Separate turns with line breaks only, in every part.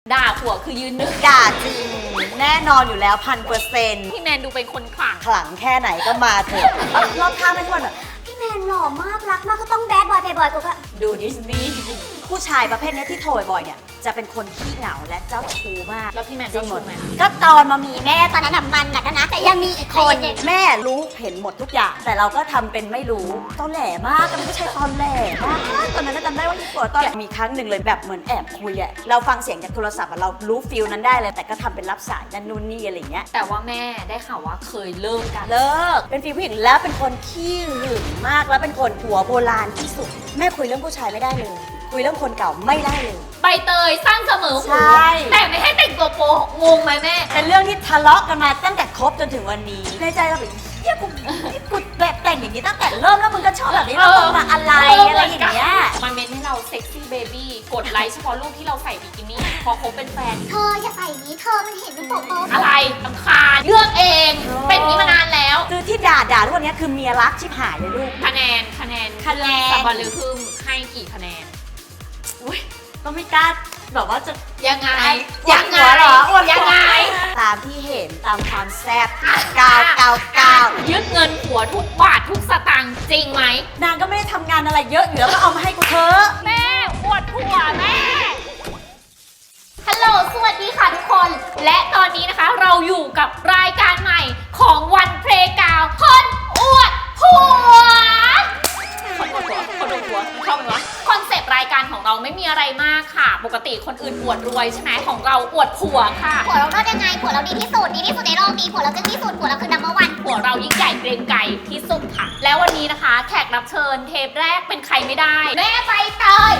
ด่าผัวคือยืนหนึ่ง
ด่าจริงแน่นอนอยู่แล้ว1,000%
พี่แมนดูเป็นคนขลัง
ขลังแค่ไหนก็มาเถอะรอบข้างไม่ทุกคนแบบพี่แมนหล่อมากรักมากก็ต้องแบดบอยเพย์บอยกูก็ดูดิสนีย์ผู้ชายประเภทนี้ที่โทรบ่อยเนี่ยจะเป็นคนขี้เหงาและเจ้าชู้มาก
แล้วพี่แมนเจ้าชู้ไหม
ก็ตอนมามีแม่ตอนนั้นมันหนักนะแต่ยังมีอีกคนแม่รู้เห็นหมดทุกอย่างแต่เราก็ทำเป็นไม่รู้ตอนแหลมากก็ไม่ใช่ตอนแหลมากตอนนั้นจำได้ว่าที่ปวดตอนแหลมีครั้งหนึ่งเลยแบบเหมือนแอบคุยอะเราฟังเสียงจากโทรศัพท์เรารู้ฟิลนั้นได้เลยแต่ก็ทำเป็นรับสายนั่นนู่นนี่อะไรเงี้ย
แต่ว่าแม่ได้ข่าวว่าเคยเลิกกัน
เลิกเป็นฟีลผู้หญิงแล้วเป็นคนขี้หึงมากแล้วเป็นคนหัวโบราณที่สุดแม่คุยเรื่องผู้ชายไม่ได้เลยคุยเรื่องคนเก่าไม่ได้เลย
ใบเตยสั้นเสมอหูแต่ไม่ให้แต่งตัวโป๊งงไหมแม่
เป็นเรื่องที่ทะเลาะกันมาตั้งแต่คบจนถึงวันนี้ในใจเราแบบเฮียกูแบบแต่งอย่างนี้ตั้งแต่เริ่มแล้วมึงก็ชอบแบบนี้แล้วมึงมาอะไรอย่างเงี้ย
มาเมนให้เราเซ็กซี่เบบี้กดไลค์เฉพาะรูปที่เราใส่บิกินี่พอคบเป็นแฟน
เธออย่าใส่อย่างนี้เธอมันเห็นเป็นโป๊ะ
อะไรสำคาญเลือกเองเป็นนี้มานานแล้ว
คือที่ด่าทุกวันนี้คือเมียรักชิบหายเลยลูก
คะแนนสับบอลลือพึ่งให้กี่คะแนน
อุ้ยก็ไม่กล้าแบบว่าจะ
ยังไง
หรอ
ยังไง
ตามที่เห็นตามความแซ่บ999
ยึดเงินผัวทุกบาททุกสตางค์จริงไหม
นางก็ไม่ได้ทำงานอะไรเยอะอยู่แล้วก็เอามาให้กูเถอะ
แม่ปวดผัวแม่ฮัลโหลสวัสดีค่ะทุกคนและตอนนี้นะคะเราอยู่กับรายการใหม่ของวันเพลย์กาวคนอวดผัวคนอวดผัวเข้าไปวะคอนเซปต์รายการของเราไม่มีอะไรมากค่ะปกติคนอื่นอวดรวยใช่ไหมของเราอวดผัวค่ะ
ผัวเราเลิศยังไงผัวเราดีที่สุดในโลกนี้ผัวเราเก่งที่สุดผัวเราคือนัมเบอร์วัน
ผัวเรายิ่งใหญ่เกรงไกรที่สุดค่ะแล้ววันนี้นะคะแขกรับเชิญเทปแรกเป็นใครไม่ได้แม่ใบเตย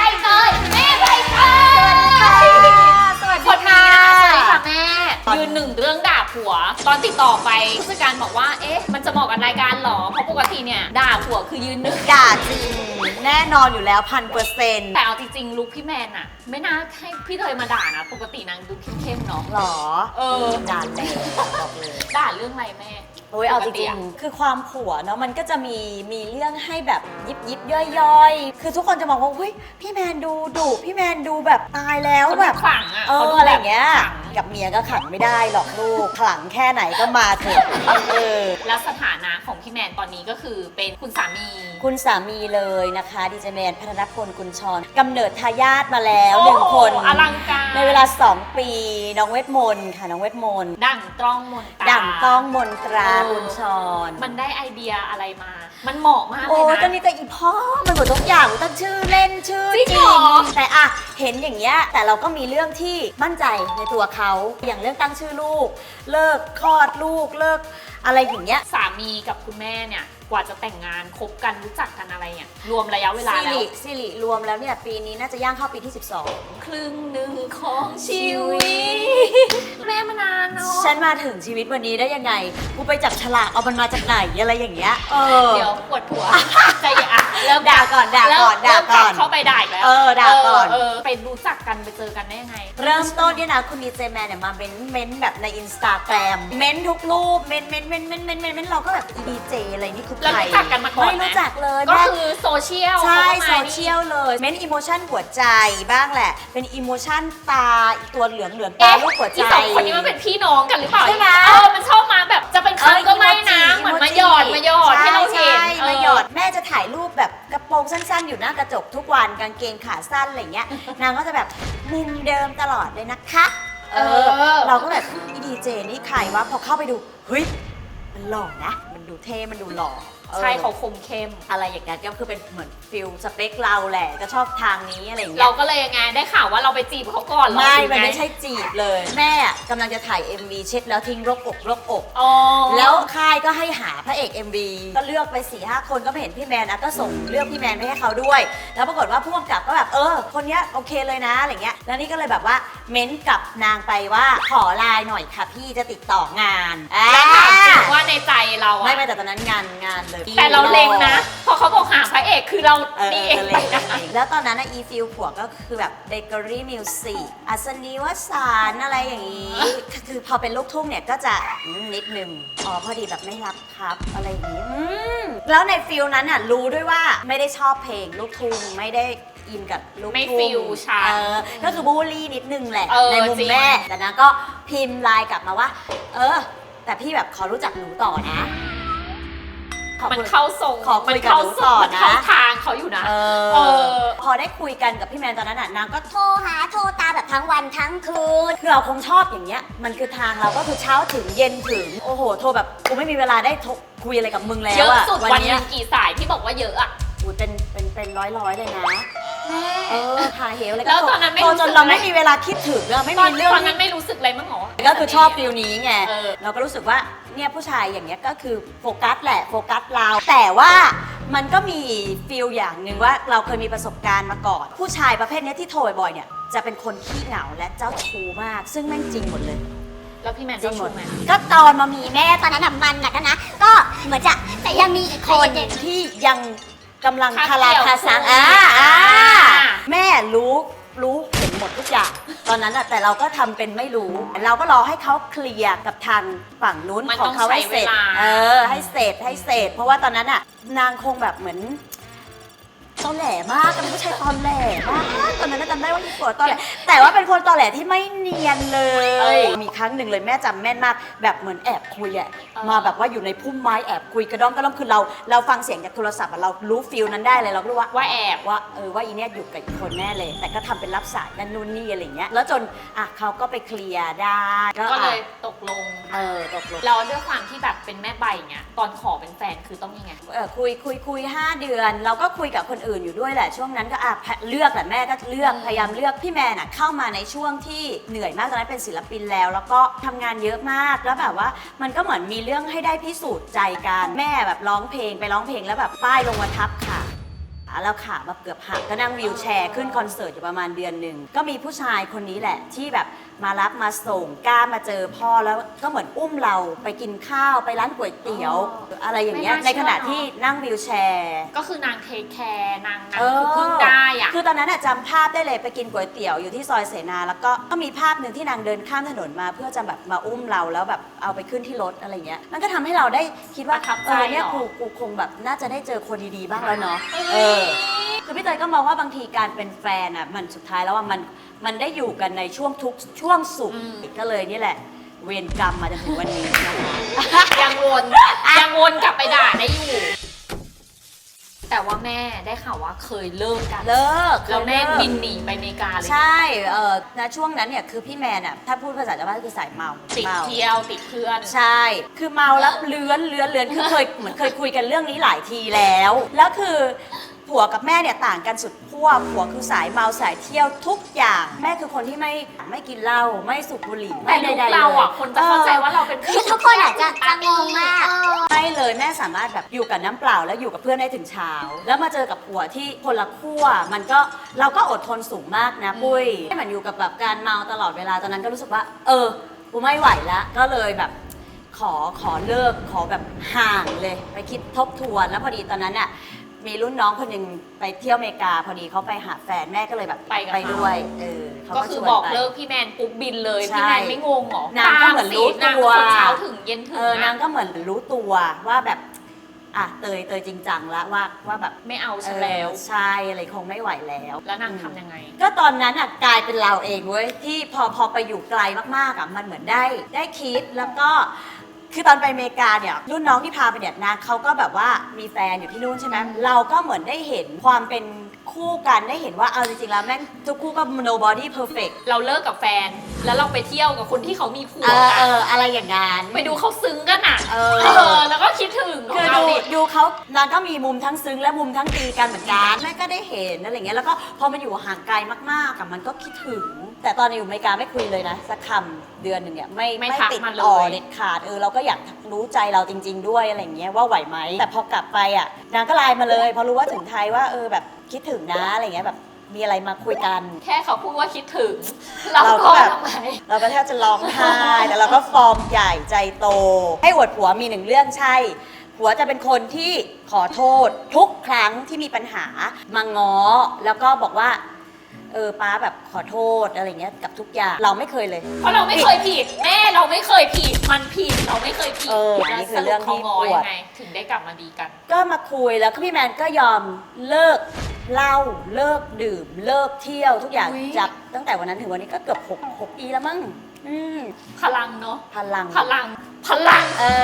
คนมาสวัสดีค่ะแม่ยืนหนึ่งเรื่องด่าผัวตอนติดต่อไปผู้จัดการบอกว่าเอ๊ะมันจะเหมาะกับรายการหรอเพราะปกติเนี่ยด่าผัวคือยืนหนึ่ง
ด่าจริงแน่นอนอยู่แล้ว1,000%
แต่เอาจริงๆลุคพี่แมนอะไม่น่าให้พี่เตยมาด่านะปกตินางดูเข้มๆเนาะ
หรอด่าแรงบอกเลย
ด่าเรื่องอะไรแม่
โอ้ยเอาจริงๆคือความผัวเนาะมันก็จะมีเรื่องให้แบบยิบย่อยๆคือทุกคนจะมองว่าเฮ้ยพี่แมนดูดุพี่แมนดูแบบตายแล้วแบบ
ขลังอะ
อะไรอย่างเงี้ยกับเมียก็ขังไม่ได้หรอกลูกขลังแค่ไหนก็มาเถอะ
แล้วสถานะของพี่แมนตอนนี้ก็คือเป็นคุณสามี
เลยนะคะดีเจแมนพัฒนพลกุลชรกำเนิดทายาทมาแล้ว1 คน
อลังการ
ในเวลา2 ปีน้องเวทมนต์ค่ะน้องเวทมนต์
ดั่งต้องมนต
รากุลชร
มันได้ไอเดียอะไรมามันเหมาะมากเลยนะ
โอ้ตอนนี้แต่อีพ่อมันหมดทุกอย่างตั้งชื่อเล่นชื่อจริงแต่อะเห็นอย่างเงี้ยแต่เราก็มีเรื่องที่มั่นใจในตัวเขาอย่างเรื่องตั้งชื่อลูกเลิกคลอดลูกเลิกอะไรอย่างเงี้ย
สามีกับคุณแม่เนี่ยกว่าจะแต่งงานคบกันรู้จักกันอะไรเนี่ยรวมระยะเวลาแล้ว
สิริรวมแล้วเนี่ยปีนี้น่าจะย่างเข้าปีที่12
ครึ่งหนึ่งของชีวิตแม่มานานเนาะ
ฉันมาถึงชีวิตวันนี้ได้ยังไงกูไปจับฉลากเอามันมาจากไหนอะไรอย่างเงี้ย
เดี๋ยวปวดหัวใจอ่ะ
เริ่มด่าก่อน
เข้าไปด่าอีกแล้ว
ด่าก่อน
ไปรู้จักกันไปเจอกันได้ยังไง
เริ่มต้นเนี่ยนะคุณดีเจแมนเนี่ยมาเม้นแบบในอินสตาแกรมเม้นทุกรูปเม้นเราก็แบบดีเจอะไรนี่คือ
เรารู้จักกันมาก่อน
ไม่รู้จักเลย
ก็คือโซเชียล
ใช่โซเชียลเลยเม้นอีโมชั่นหัวใจบ้างแหละเป็นอีโมชั่นตาตัวเหลืองตาลูกหัวใจ
ที่2 คนนี้มันเป็นพี่น้องกันหรือเปล่า
ใช่ไหม
มันชอบมาแบบจะเป็นเขาก็ไม่นะเหมือนมาหยอดให้เราเห็น
มาหยอดแม่จะถ่ายรูปแบบกระโปรงสั้นๆอยู่หน้ากระจกทุกวันกางเกงขาสั้นอะไรเงี้ยนางก็จะแบบมุมเดิมตลอดเลยนะคะเราก็แบบดีเจนี่ใครวะพอเข้าไปดูเฮ้ยมันหล่อนะมันดูเท่มันดูหล่อ
ใช่เขาคมเข้ม
อะไรอย่างเงี้ยก็คือเป็นเหมือนฟิลสเปคเราแหละก็ชอบทางนี้อะไรอย่างเงี้ย
เราก็เลยยังไงได้ข่าวว่าเราไปจีบเขาก่อน
ไม่ใช่จีบเลยแม่กำลังจะถ่าย MV เช็ดแล้วทิ้งรกอกแล้วค่ายก็ให้หาพระเอก MV ก็เลือกไป 4-5 คนก็ไม่เห็นพี่แมนก็ส่งเลือกพี่แมนไปให้เขาด้วยแล้วปรากฏว่าผู้กำกับก็แบบคนเนี้ยโอเคเลยนะอะไรเงี้ยแล้วนี่ก็เลยแบบว่าเม้นกับนางไปว่าขอไลน์หน่อยค่ะพี่จะติดต่องาน
แล้วถามจริงว่าในใจเรา
ไม่แต่ตอนนั้นงานเลย
แต่เราเล็งนะพอเขาบอกหาพระเอกคือเรานี่เองไปนะ
แล้วตอนนั้นอีฟิลผัวก็คือแบบเบเกอรี่มิวสิกอัศนีวสานอะไรอย่างนี้คือพอเป็นลูกทุ่งเนี่ยก็จะนิดนึงพอดีแบบไม่รับครับอะไรอย่างนี้แล้วในฟิลนั้นรู้ด้วยว่าไม่ได้ชอบเพลงลูกทุ่งไม่ได้อินกับลูก
ไม่
ทุ่ง
ฟิลฉัน
ก็คือบูลลี่นิดนึงแหละ ในมุม
จริง
แม่แต่นางก็พิมพ์ไลน์กลับมาว่า แต่พี่แบบขอรู้จักหนูต่อนะ
มันเข้าทรง
ขอคุยกับหนูต่อนะ
มันเข้าทางเขาอยู่นะ
พอได้คุยกันกับพี่แมนตอนนั้นนางก็
โทรตามแบบทั้งวันทั้งคืน
คือเราคงชอบอย่างเงี้ยมันคือทางเราก็คือเช้าถึงเย็นถึงโอ้โหโทรแบบกูไม่มีเวลาได้คุยอะไรกับมึงแล้ว
เยอะ
อะ
สุดวันห
เนี้
นึงกี่สายที่บอกว่าเยอะอะ
เป็นร้อยเลยนะหาเหวเลย
แล้วตอนนั้นไม่
พอ
รู้
จ
สึ
น
ก
เรา
อะไร
ไม่มีเวลาคิดถึงอะไม่
ตอ
มีเรื่อง
นนั้นไม่รู้สึกอะไรมั้งหรอ
ก็คือชอบฟิลนี้ไง
เออ
เราก็รู้สึกว่าเนี่ยผู้ชายอย่างเงี้ยก็คือโฟกัสแหละโฟกัสเราแต่ว่ามันก็มีฟิลอย่างหนึ่งว่าเราเคยมีประสบการณ์มาก่อน ผู้ชายประเภทเนี้ยที่โทรบ่อยๆเนี่ยจะเป็นคนขี้เหงาและเจ้าชู้มาก ซึ่งแม่งจริงหมดเลย
แล้วพี่แมนเจ้าชู้ไหม
ก็ตอนมามีแม่
ตอนนั้นมันหนักนะ ก็เหมือนจะแต่ยังมีอีก
ค
คน น
ที่ยังกำลัง
คา
คารา
เกี่ยว
คาซัง
อ่า
แม่รู้เห็นหมดทุกอย่างตอนนั้นอะแต่เราก็ทำเป็นไม่รู้ เราก็รอให้เขาเคลียร์กับทางฝั่งนู้น
มัน
ของเขาให้เสร็จ
ต้องใช้เวลา
ให้เสร็จเพราะว่าตอนนั้นอะนางคงแบบเหมือนตอแหลมากเป็นผู้ชายตอแหลมากตอนนั้นจำได้ว่าที่ปวดตอแหลแต่ว่าเป็นคนตอแหลที่ไม่เนียนเลย มีครั้งหนึ่งเลยแม่จำแม่นมากแบบเหมือนแอบคุยอะมาแบบว่าอยู่ในพุ่มไม้แอบคุยกระด้องคือเราฟังเสียงจากโทรศัพท์อะเรารู้ฟิลนั้นได้เลยเรารู้ว่า
ว่าแอบ
ว่าอีเนี่ยอยู่กับอีกคนแน่เลย แต่ก็ทำเป็นรับสายนั่นนู่นนี่อะไรเงี้ยแล้วจนเขาก็ไปเคลียร์ได้
ก็เลยตกลง
ตกลง
เราด้วยความที่แบบเป็นแม่ใบเงี้ยตอนขอเป็นแฟนคือต้องยังไง
คุย5 เดือน เราก็คุยกับคนอื่นอยู่ด้วยแหละช่วงนั้นก็เลือกแหละแม่ก็เลือกพยายามเลือกพี่แมนเข้ามาในช่วงที่เหนื่อยมากตอนนั้นเป็นศิลปินแล้วก็ทำงานเยอะมากแล้วแบบว่ามันก็เหมือนมีเรื่องให้ได้พิสูจน์ใจกันแม่แบบร้องเพลงแล้วแบบป้ายลงมาทับขาแล้วขาแบบเกือบหักก็นั่งวีลแชร์ขึ้นคอนเสิร์ตอยู่ประมาณเดือนหนึ่งก็มีผู้ชายคนนี้แหละที่แบบมารับมาส่งกล้ามาเจอพ่อแล้วก็เหมือนอุ้มเราไปกินข้าวไปร้านก๋วยเตี๋ยวอะไรอย่างเงี้ย
ไม่น่า
ใน
เชื่อ
ขณะที่นั่งวีลแชร์
ก็คือนางเทคแคร์นางคือพึ่งได้อะ
คือตอนนั้นจำภาพได้เลยไปกินก๋วยเตี๋ยวอยู่ที่ซอยเสนาแล้วก็มีภาพหนึ่งที่นางเดินข้ามถนนมาเพื่อจะแบบมาอุ้มเราแล้วแบบเอาไปขึ้นที่รถอะไรเงี้ยมันก็ทำให้เราได้คิดว่า
ประทับใจ
เนี่ย
เหรอ
กูคงแบบน่าจะได้เจอคนดีๆบ้างแล้วเนาะคือพี่เตยก็มองว่าบางทีการเป็นแฟนมันสุดท้ายแล้วว่ามันได้อยู่กันในช่วงทุกข์ช่วงสุขก็เลยนี่แหละเวรกรรมมาจนถึงวันนี้นะคะ
ยังวนกลับไปด่าได้อยู่ แต่ว่าแม่ได้ข่าวว่าเคยเลิกกัน
เลิก
แล้วแม่บินหนีไปอเมริกาเลย
ใช่ณช่วงนั้นเนี่ยคือพี่แมนถ้าพูดภาษาชาวบ้านคือสายเมา
ติดเที่ยวติดเพื่อน
ใช่ คือเมาแล้วเลื้อนคือเหมือนเคยคุยกันเรื่องนี้หลายทีแล้วคือผัวกับแม่เนี่ยต่างกันสุดขั้วผัวคือสายเมาสายเที่ยวทุกอย่างแม่คือคนที่ไม่กินเหล้าไม่สูบบุหรี่
แต่
ไม่
ยุค
ใดๆ
เรา
เลย
คนจะเข้าใจว่าเราเป็น
คือทุกคนอาจจะงงมาก
ไม่เลยแม่สามารถแบบอยู่กับน้ำเปล่าแล้วอยู่กับเพื่อนได้ถึงเช้า แล้วมาเจอกับผัวที่คนละขั้วมันก็เราก็อดทนสูงมากนะปุ้ยไม่เหมือนอยู่กับแบบการเมาตลอดเวลาตอนนั้นก็รู้สึกว่ากูไม่ไหวแล้วก็เลยแบบขอเลิกขอแบบห่างเลยไปคิดทบทวนแล้วพอดีตอนนั้นมีรุ่นน้องคนหนึ่งไปเที่ยวอเมริกาพอดีเขาไปหาแฟนแม่ก็เลยแบบ
ไปกับ
ไป
เขา
ด้วยเขา
ก็
ก็
คื
ช
อ
วน
บอก
ไป
เลิกพี่แมนปุ๊บบินเลย
ใช่
พี่แมนไม่งงเหรอน
างก็เหมือนรู้
นาง
ตัว
เป็นคนเช้าถึงเย็นถึง
นางก็เหมือนรู้ตัวว่าแบบเตยจริงจังแล้วว่าแบบ
ไม่เอาฉันแล้ว
ใช่อะไรคงไม่ไหวแล้ว
แล้วนางทำยังไง
ก็ตอนนั้นกลายเป็นเราเองเว้ยที่พอไปอยู่ไกลมากๆมันเหมือนได้คิดแล้วก็คือตอนไปอเมริกาเนี่ยรุ่นน้องที่พาไปเนี่ยนะเขาก็แบบว่ามีแฟนอยู่ที่นู่นใช่ไหมเราก็เหมือนได้เห็นความเป็นคู่กันได้เห็นว่าเอาจริงๆแล้วแม่งทุกคู่ก็ nobody perfect
เราเลิกกับแฟน แล้วเราไปเที่ยวกับคนที่เขามีผัว
อะไรอย่างงั้น
ไปดูเขาซึ้งกันอ่ะ แล้วก็คิดถึง
คือ
เราดิ
ดูเขานางก็มีมุมทั้งซึ้งและมุมทั้งตีกันเหมือนกันแม่ก็ได้เห็นอะไรเงี้ยแล้วก็พอมาอยู่ห่างไกลมากๆมันก็คิดถึง แต่ตอนอยู่อเมริกาไม่คุยเลยนะสักคำเดือนหนึ่งเนี่ยไม่
ทัก
ติด
มาเล
ต่อย เด็ดขาดเราก็อยากรู้ใจเราจริง ๆ ด้วยอะไรเงี้ยว่าไหวไหมแต่พอกลับไปนางก็ไลน์มาเลยพอรู้ว่าถึงไทยว่าแบบคิดถึงนะอะไรเงี้ยแบบมีอะไรมาคุยกัน
แค่เขาพูดว่าคิดถึง เราก็
แบบ
ทำไม
เราก็แทบจะร้องไห้แต่เราก็ฟอร์มใหญ่ใจโต ให้อวดผัวมีหนึ่งเรื่องใช่ผัวจะเป็นคนที่ขอโทษทุกครั้งที่มีปัญหามาง้อแล้วก็บอกว่าป้าแบบขอโทษอะไรเงี้ยกับทุกอย่างเราไม่เคยเลย
เพราะเราไม่เคยผิดแม่เราไม่เคยผิดมันผิดเราไม่เคยผิด
อัน
แล้ว
นี้คื
ส
อ
รุ
เรื่
ป
อง
เขา
ที่
ง้อ
ปว
ยั
ด
งไงถึงได้กลับมาดีกัน
ก็มาคุยแล้วก็พี่แมนก็ยอมเลิกเหล้าเลิกดื่มเลิกเที่ยวทุกอย่าง
อุ๊ย
จากตั้งแต่วันนั้นถึงวันนี้ก็เกือบ6 ปีแล้วมั้ง
พลังเนาะ
พลัง
พลัง พลัง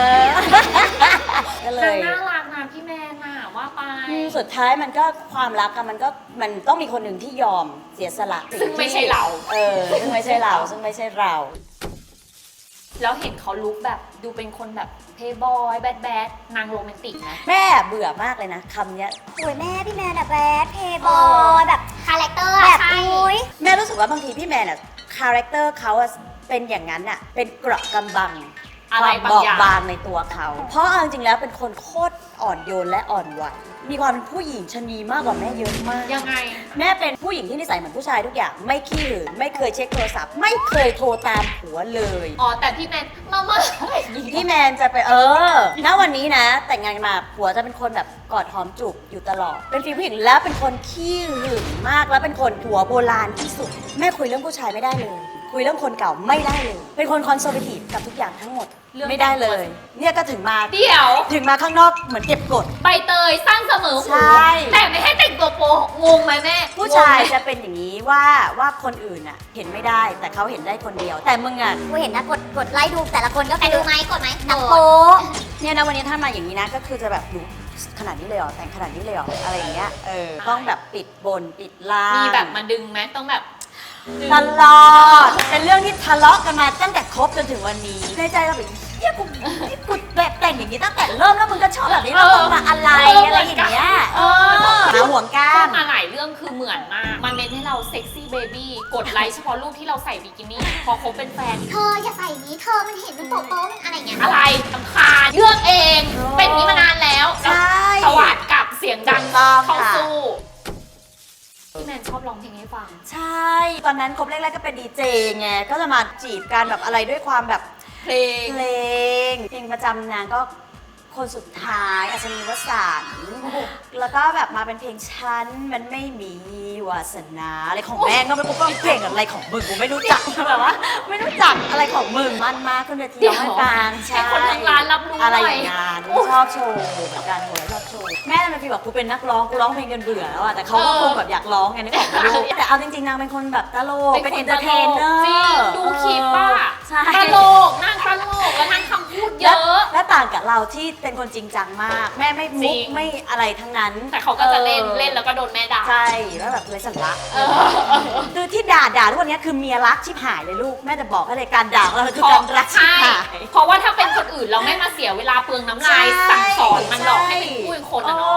ก็เล
นาง
ย
น่ารักนะพี่แมนน่ะว่าไป
สุดท้ายมันก็ความรักอะมันต้องมีคนหนึ่งที่ยอมเสียสละ
ซึ่งไม่ใช่เรา
ซึ่งไม่ใช่เราซึ่งไม่ใช่เรา
แล้วเห็นเขาลุคแบบดูเป็นคนแบบเพย์บอยแบดนางโรแมนติกนะ
แม่เบื่อมากเลยนะคำเนี้ย
โอ้ยแม่พี่แมนอะแบดเพย์บอยแบบคาแรคเตอร์แบบอุ้ย
แม่รู้สึกว่าบางทีพี่แมนอะคาแรคเตอร์เขาอะเป็นอย่างนั้นอะเป็นเกราะกำบัง
อะไร
ความ
บาง
บอ
อบ ย่าง
บางในตัวเขา เพราะเอาจริงๆแล้วเป็นคนโคตรอ่อนโยนและอ่อนไหวมีความเป็นผู้หญิงชะนีมากกว่าแม่เยอะมาก
ยังไง
แม่เป็นผู้หญิงที่นิสัยเหมือนผู้ชายทุกอย่างไม่ขี้หืนไม่เคยเช็คโทรศัพท์ไม่เคยโทรตามผัวเลย
อ๋อแต่พี่แมนมา
พี่แมนจะไปณวันนี้นะ แต่งงานมาผัวจะเป็นคนแบบกอดหอมจูบอยู่ตลอด เป็นฟีลผู้หญิงแล้วเป็นคนขี้หึงมากแล้วเป็นคนหัวโบราณที่สุด แม่คุยเรื่องผู้ชายไม่ได้เลย คุยเรื่องคนเก่าไม่ได้เลย เป็นคนคอนเซอร์เวทีฟกับทุกอย่างทั้งหมดไม่ได้เลย เนี่ยก็ถึงมา
เดี๋ยว
ข้างนอกเหมือนเก็บกด
ใบเตยสั้นเสมอ
ใช่
หูแต่ไม่ให้แต่งตัวโป๊ะงงไหมแม่
ผู้ชาย
งงไหม
จะเป็นอย่างนี้ว่าคนอื่นอ่ะเห็นไม่ได้แต่เขาเห็นได้คนเดียว แต่มึงอ่ะ
กูเห็นนะกดไลค์ดูแต่ละคนก็แต่ดูไหมกดไหมหนัง
โป๊
โป๊ะ
เนี่ยนะวันนี้ถ้ามาอย่างนี้นะก็คือจะแบบดูขนาดนี้เลยเหรอแต่งขนาดนี้เลยเหรออะไรอย่างเงี้ยต้องแบบปิดบนปิดล่าง
มีแบบมาดึงไหมต้องแบบดึง
ตลอดเป็นเรื่องที่ทะเลาะกันมาตั้งแต่คบจนถึงวันนี้ในใจเราแบบเฮียกูแบบแต่งอย่างนี้ตั้งแต่เริ่มแล้วมึงก็ชอบแบบนี้แล้วมึงมาอะไรอะไรอย่างเงี้ยหาห่วงก้า
ก็
น
มาหลายเรื่องคือเหมือนมาก มันเน้นให้เราเซ็กซี่เบบี้กดไลค์เฉพาะรูปที่เราใส่บิกินี่พอคบเป็นแฟน
เธออย่าใส่อย่างนี้เธอมันเห็นมันโป๊ะโป๊ะมันอะไรอย่างเงี้ย
อะไรสำคาญเลือกเอง เป็นอย่างนี้มานานแล้ว
ใช่
สวัสดกับเสียงดัง
ถูกต้อง
เข้า
ค่ะ
สู้พี่แมนชอบร้องเพลงให้ฟัง
ใช่ ตอนนั้นคบแรกๆก็เป็นดีเจไง ก็จะมาจีบกันแบบอะไรด้วยความแบบ
เพลง
เพลงประจำนางก็คนสุดท้ายอัศนีวสันต์แล้วก็แบบมาเป็นเพลงฉันมันไม่มีวาสนาอะไรของแม่งก็ไม่รู้ว่าเพลงอะไรของมึงกูไม่รู้จักแบบว่าไม่รู้จักอะไรของมึงมันมากขึ้นเวทีร้องให้ฟัง
ให้คนทั้งร้านรับรู้
อะไร
หน่
อ
อย
ย่างงั้นชอบโชว์เหมือนกันหัวชอบโชว์แม่มันฟีลแบบกูเป็นนักร้องกูร้องเพลงจนเบื่อแล้วอะแต่เขาก็คงแบบอยากร้องไงนึกออกไหมลูกแต่เอาจริงๆนางเป็นคนแบบตลกเป็นเอนเตอร์เทนเนอร์
จริงดูคลิปป่ะ
ใช่
ตลกนางตลกแล้วนางคำพูดเยอะ
และต่างกับเราที่เป็นคนจริงจังมาก แม่ไม่
จ
มุ
ริ
ก
ง
ไม่อะไรทั้งนั้น
แต่เขาก็จะเล่นแล้วก็โดนแม่ด่า
ใช่แล้วแบบเลยสันละ
เออ
คือที่ด่าทุกวันนี้คือเมียรักชิบหายเลยลูกแม่จะบอกให้เลยการด่าของเราคือการรักชิบ
ใช่
หาย
เพราะว่าถ้าเป็นคนอื่นเราไม่มาเสียเวลาเปลืองน้ำลาย
ใช่
สั่งสอนมันหรอกให้เป็น
ใช่
ผู้เป็นคนอะเนาะ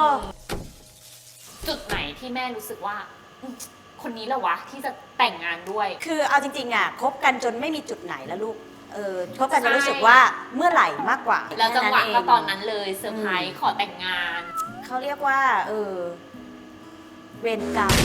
จุดไหนที่แม่รู้สึกว่าคนนี้แหละวะที่จะแต่งงานด้วย
คือเอาจริงๆอ่ะคบกันจนไม่มีจุดไหนแล้วลูกคบกันจะรู้สึกว่าเมื่อไหร่มากกว่า
แล้วจังหวะ
แค่
ก็
เง
ตอนนั้นเลยเซอร์ไพรส์ขอแต่งงาน
เขาเรียกว่าเวรกรรม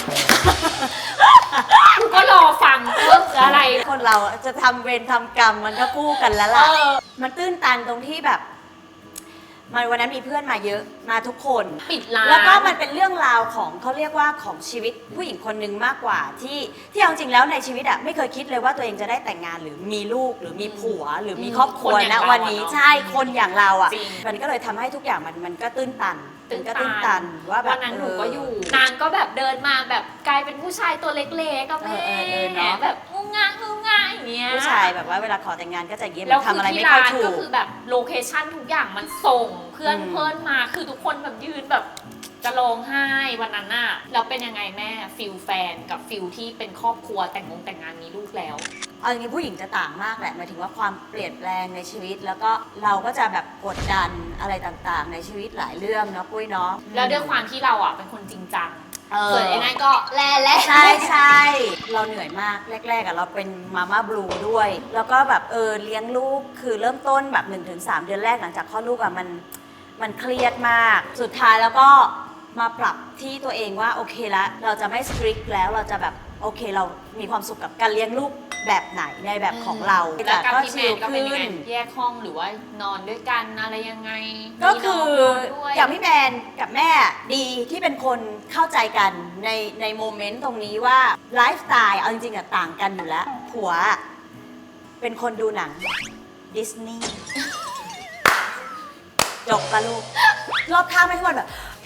ก็รอฟังว่าคืออะไร
คนเราจะทำเวรทำกรรมมันก็คู่กันแล้วล่ะ มันตื้นตันตรงที่แบบมันวันนั้นมีเพื่อนมาเยอะมาทุกคน
ปิดร้าน
แล้วก็มันเป็นเรื่องราวของเขาเรียกว่าของชีวิตผู้หญิงคนหนึ่งมากกว่าที่เอาจริงแล้วในชีวิตอะไม่เคยคิดเลยว่าตัวเองจะได้แต่งงานหรือมีลูกหรือมีผัวหรือมีครอบครัว
คนอย่า
นะ
งเรา
วันนี้
อะเนาะ
ใช่คนอย่างเราอะ
จริง
มันก็เลยทำให้ทุกอย่างมันก็ตื้นตันมันก็ตื้นตันว่าแบบ
วันนั้นหนูก็อยู่ นางก็แบบเดินมาแบบกลายเป็นผู้ชายตัวเล็กๆกับแม่
เนาะ
แบบงุ้งง่างงุ้งง่างอย่างเงี้ย
ผู้ชายแบบว่าเวลาขอแต่งงานก็จะเยี่ยม
แล้ว
ทำอะไร
คือ
ไม่
ที่
ค่อย
ร้าน
ถู
ก็
ก
คือแบบโลเคชั่นทุกอย่างมันส่งเพื่อน
อืม
เพื่อนมาคือทุกคนแบบยืนแบบจะร้องไห้วันนั้นน่ะแล้วเป็นยังไงแม่ฟิลแฟนกับฟิลที่เป็นครอบครัวแต่งงานมีลูกแล้ว
เอาจริงๆผู้หญิงจะต่างมากแหละหมายถึงว่าความเปลี่ยนแปลงในชีวิต แล้วก็เราก็จะแบบกดดันอะไรต่างๆ ในชีวิตหลายเรื่องเนาะปุ้ยเนาะ
แล้วด้วยความที่เราอ่ะเป็นคนจริงจัง
เออ
ส่วนไอ้นั่นก็แล่ๆ
ใช่ใช่เราเหนื่อยมากแรกๆอะเราเป็นมาม่าบลูด้วย แล้วก็แบบเลี้ยงลูกคือเริ่มต้นแบบ 1-3 เดือนแรกหลังจากคลอดลูกอะมันเครียดมาก สุดท้ายแล้วก็มาปรับที่ตัวเองว่าโอเคละเราจะไม่สตริกแล้วเราจะแบบโอเคเรามีความสุขกับการเลี้ยงลูกแบบไหนในแบบของเรา
แล้วกับ
ก็
พี่แม
ชิล
นก็เป็น
ขึ้
ยังไง
น
แยกห้องหรือว่านอนด้วยกันอะไรยังไง
ก็คือ
มีน้งนนด้วย
อย่างพี่แมนกับแม่ดีที่เป็นคนเข้าใจกันในโมเมนต์ตรงนี้ว่าไลฟ์สไตล์เอาจริงๆอะต่างกันอยู่แล้ว ผัวเป็นคนดูหนังดิสนีย์จบปะลูกรอบข้างไม่ทุกคนแบบ พ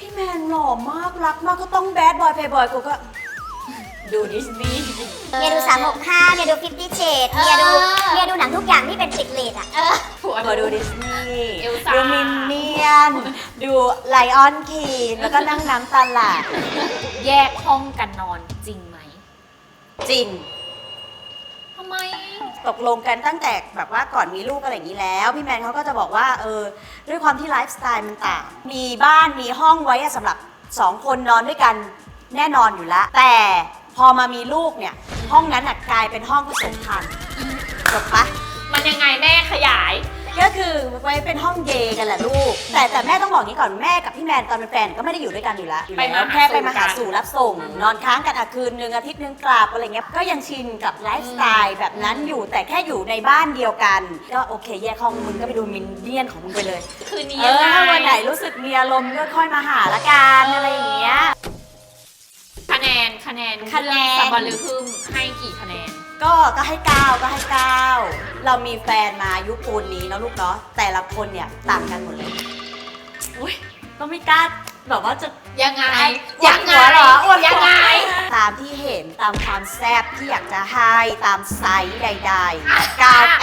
พี่แมนหล่อมากรักมากก็ต้องแบดบอยเพย์บอยกูก็ดูดิสนีย์
เมียดู365เมียดู50 Shades เมียดูหนังทุกอย่างที่เป็นติดเลทอ่ะ
ผัว
ดูดิสนีย์
เอลซ่า
ดูมินเนี่ยนดูไลออนคีนแล้วก็นั่งน้ำตาไหล
แยกห้องกันนอนจริงไหม
จริง
ทำไม
ตกลงกันตั้งแต่แบบว่าก่อนมีลูกอะไรอย่างนี้แล้ว พี่แมนเขาก็จะบอกว่าด้วยความที่ไลฟ์สไตล์มันต่าง มีบ้านมีห้องไว้สำหรับ 2 คนนอนด้วยกันแน่นอนอยู่แล้ว แต่พอมามีลูกเนี่ยห้องนั้นกลายเป็นห้องผสมพันธุ์จบปะ
มันยังไงแม่ขยาย
ก็คือไว้เป็นห้องเดย์กันแหละลูก แต่แม่ต้องบอกงี้ก่อนแม่กับพี่แมนตอนเป็นแฟนก็ไม่ได้อยู่ด้วยกันอยู่แล้ว
ไปมาหาสู่
แค่ไปมาหาสู่รับส่ง นอนค้างกันคืนนึงอาทิตย์นึงกลับอะไรเงี้ยก็ยังชินกับไลฟ์สไตล์แบบนั้นอยู่แต่แค่อยู่ในบ้านเดียวกัน ก็โอเคแยกห้องมึงก็ไปดูมินเนี่ยนของมึงไปเลย
คืนนี้ยังไง
วันไหนรู้สึกมีอารมณ์ก็ค่อยมาหาละกันอะไรอย่างเงี้ย
คะแนน
คะแนน
สับบอลลือฮึมให้กี่คะแนน
ก็ให้9เรามีแฟนมาอายุปูนนี้เนาะลูกเนาะแต่ละคนเนี่ยต่างกันหมดเลยอุ้ยก็ไม่กล้าแบบว่าจะ
ยังไง
อวดหัวเหรออวดหัว
ยังไง
ตามที่เห็นตามความแซ่บที่อยากจะให้ตามไซส์ใดๆ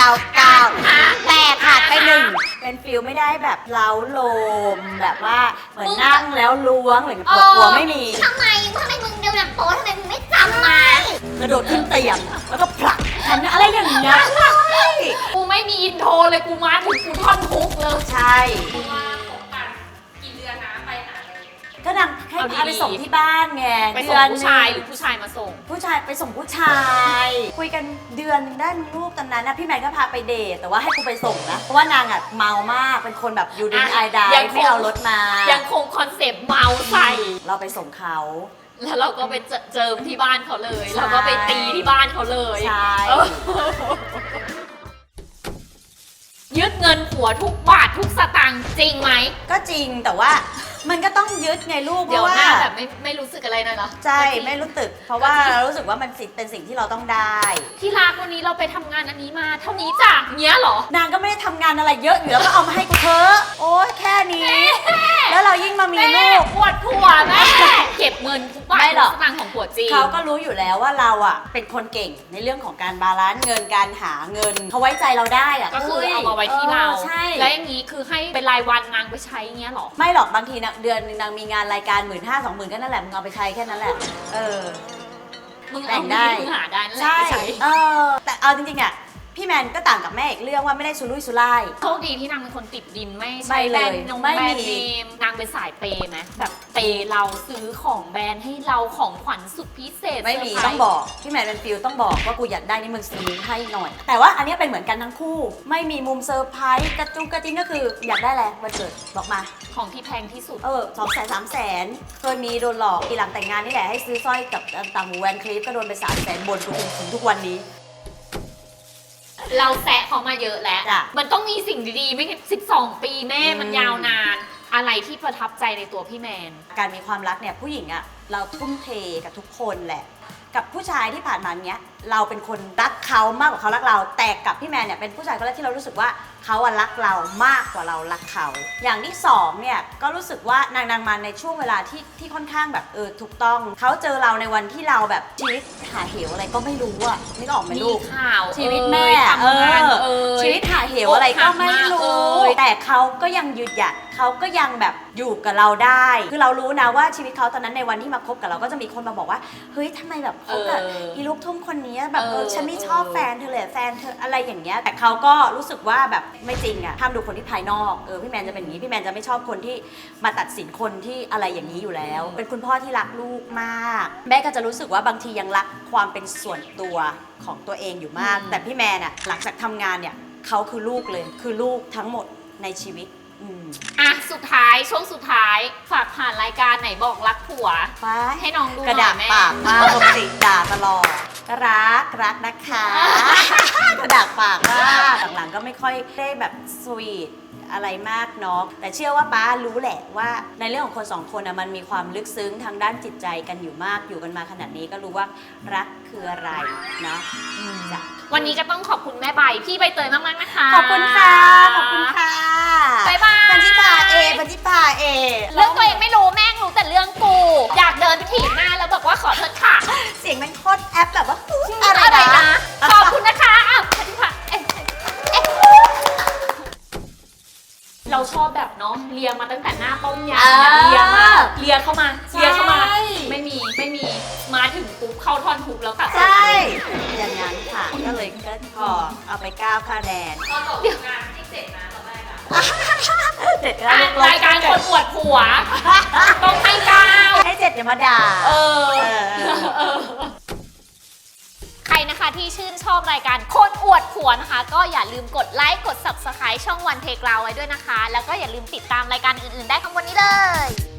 9แต่ขาดไปหนึ่งเป็นฟิลไม่ได้แบบเล้าโลมแบบว่าเหมือนนั่งแล้วล้วงหรือปวดหัวไม่มี
ทำไมมึงเดี๋ยวหนังโป๊ทำไมมึงไม่จำมา
กระโดดขึ้นเตียงแล้วก็ผลักฉันอะไรอย่างเงี้ย
กูไม่มีอินโทรเลยกูมาถึงกูท่อนฮุกเลย
ใช่
ว่าคบกันกี่เดือนนะไปหาเลย
ก็นางให้พาไปส่งที่บ้านไง
ไปส่งผู้ชายหรือผู้ชายมาส่ง
ผู้ชายไปส่งผู้ชาย คุยกันเดือนหนึงได้มีลูกตอนนั้นนะพี่แมนก็พาไปเดทแต่ว่าให้กูไปส่งนะเพราะว่านางเมามากเป็นคนแบบยูดินไอดาย
ยังคง
ไม่เอารถมา
ยังคงคอนเซปต์เมาใส่
เราไปส่งเขา
แล้วเราก็ไปเจิมที่บ้านเขาเลย
ใช่
เราก็ไปตีที่บ้านเขาเลย
ใช่
เออยึดเงินผัวทุกบาททุกสตางค์จริงไหม
ก็จริงแต่ว่ามันก็ต้องยึดไงลูกเพ
เดี๋ยว
ราะว่า
หน้าแบบไม่รู้สึกอะไรเลยเหรอ
ใช่ไม่รู้สึกเพราะว่าเรารู้สึกว่ามันเป็นสิ่งที่เราต้องได้
ที่รักวันนี้เราไปทำงานอันนี้มา เท่านี้จ้ะเนี้ยเหรอ
นางก็ไม่ได้ทำงานอะไรเยอะอยู่แล้วก็เอามาให้กูเถอะโอ๊ยแค่นี้ แล้วเรายิ่งมามี
แม่
ลูก
ปวดผัวแม่ เก็บเงินทุกบาท
ไม่หร
ทุ
อก
กสตางค์ของผัวจริง
เขาก็รู้อยู่แล้วว่าเราเป็นคนเก่งในเรื่องของการบาลานซ์เงินการหาเงินเขาไว้ใจเราได้
ก็คือเอามาไว้ที่เรา
ใช่
แล้วอย่างนี้คือให้เป็นรายวันนางไปใช้เงี้ยเหรอ
ไม่หรอกบางทีนะเดือนนึงนางมีงานรายการ15,000-20,000ก็นั่นแหละมึงเอาไปใช้แค่นั้นแหละ
มึง
แบ่
เอา
ง
เงิ
ได้
นที่มึงหาได้นั่นแหละ
ใช่
ไปใช้
แต่เอาจริงๆพี่แมนก็ต่างกับแม่อีกเรื่องว่าไม่ได้สุรุ่ยสุร่าย
โชคดีที่นางเป็นคนติดดินไม่
ไม่
ใช้
เลย
แบรนด์นง
ไม่
แบรน
มี
ด์เนมนางเป็นสายเปย์ไหมแบบเปย์เราซื้อของแบรนด์ให้เราของขวัญสุดพิเศษ
ไม่มี
เซร์พรส์
ต้องบอกพี่แมนเป็นฟิลต้องบอกว่ากูอยากได้นี่มึงซื้อให้หน่อย แต่ว่าอันนี้เป็นเหมือนกันทั้งคู่ ไม่มีมุมเซอร์ไพรส์กระจุงกระจิ้งก็คืออยากได้แหละวันเกิดบอกมา
ของที่แพงที่สุด
200,000-300,000เคยมีโดนหลอกปีหลังแต่งงานนี่แหละให้ซื้อสร้อยกับต่างหูแหวนคลิปก็โดนไป300,000บนกูถึงทุกวันนี้
เราแซะเขามาเยอะแล้ว
จ้ะ
มันต้องมีสิ่งดีๆ ไม่ใช่12 ปีแม่มันยาวนาน อะไรที่ประทับใจในตัวพี่แมน
การมีความรักเนี่ยผู้หญิงเราทุ่มเทกับทุกคนแหละ กับผู้ชายที่ผ่านมาเนี้ยเราเป็นคนรักเขามากกว่าเขารักเรา แต่กับพี่แมนเนี่ยเป็นผู้ชายคนแรกที่เรารู้สึกว่าเขารักเรามากกว่าเรารักเขา อย่างที่สองเนี่ยก็รู้สึกว่านางมาในช่วงเวลาที่ค่อนข้างแบบถูกต้องเขาเจอเราในวันที่เราแบบชีวิตหาเหวอะไรก็ไม่รู้อะนึกออกไหม
มี
ลูก
ข่าว
ชีวิตแม่
ทำงาน
ชีวิตหาเหวอะไรก็ไม่รู้
อกหักมา
แต่เขาก็ยังยืนหยัดเขาก็ยังแบบอยู่กับเราได้ คือเรารู้นะว่าชีวิตเขาตอนนั้นในวันที่มาคบกับเราก็จะมีคนมาบอกว่าเฮ้ยทำไมแบบคบกับอีลูกทุ่งคนนี้แบบฉันไม่ชอบแฟนเธอเลยแฟนเธออะไรอย่างเงี้ยแต่เขาก็รู้สึกว่าแบบไม่จริงอะห้ามดูคนที่ภายนอกพี่แมนจะเป็นอย่างนี้พี่แมนจะไม่ชอบคนที่มาตัดสินคนที่อะไรอย่างนี้อยู่แล้ว เป็นคุณพ่อที่รักลูกมากแม่ก็จะรู้สึกว่าบางทียังรักความเป็นส่วนตัวของตัวเองอยู่มาก แต่พี่แมนอะหลังจากทำงานเนี่ยเขาคือลูกเลยคือลูกทั้งหมดในชีวิต
อ่ะสุดท้ายช่วงสุดท้ายฝากผ่านรายการไหนบอกรักผัว
ฟ้า
ให้น้องดูห
กระ
น่
ดา
อ
ษ
ยแม่
ปากมากปกติด่าตลอดรักนะคะ กระดาษปากมากหลังๆก็ไม่ค่อยได้แบบสวีทอะไรมากเนาะแต่เชื่อว่าป้ารู้แหละว่าในเรื่องของคนสองคนมันมีความลึกซึ้งทางด้านจิตใจกันอยู่มากอยู่กันมาขนาดนี้ก็รู้ว่ารักคืออะไรเนาะจ้ะ
วันนี้ก็ต้องขอบคุณแม่ใบพี่ใบเตยมากๆนะคะ
ขอบคุณค่ะขอบคุณค่ะ
บ๊ายบาย
พันธิพาพันธิพา
เรื่องตัวเองไม่รู้แม่งรู้แต่เรื่องกู อยากเดินไปถีบหน้าแล้วบอกว่าขอโทษค่ะ
เสียงมันโคตรแอปแบบว่า
อะไรนะขอบคุณนะคะอ้าวพันธิพาเราชอบแบบเนาะเลียมาตั้งแต่หน้าต้มยำเนี่ยเลียเข้ามาไม่มีมาถึงปุ๊บเข้าท่อนทุกแล้วค่ะ
ใช่อย่างนั้นค่ะก็เลยก็พอเอาไป9คะแนน
ตอนจบงานที่เสร็จนะตอนแรกอะ
เสร็จแล้ว
รายการคนอวดผัวต้องให้9
ให้7เดี๋ยวมาด่า
ใครนะคะที่ชื่นชอบรายการคนอวดผัวนะคะก็อย่าลืมกดไลค์กด Subscribe ช่องวันเพลกราวไว้ด้วยนะคะแล้วก็อย่าลืมติดตามรายการอื่นๆได้ข้างบนนี้เลย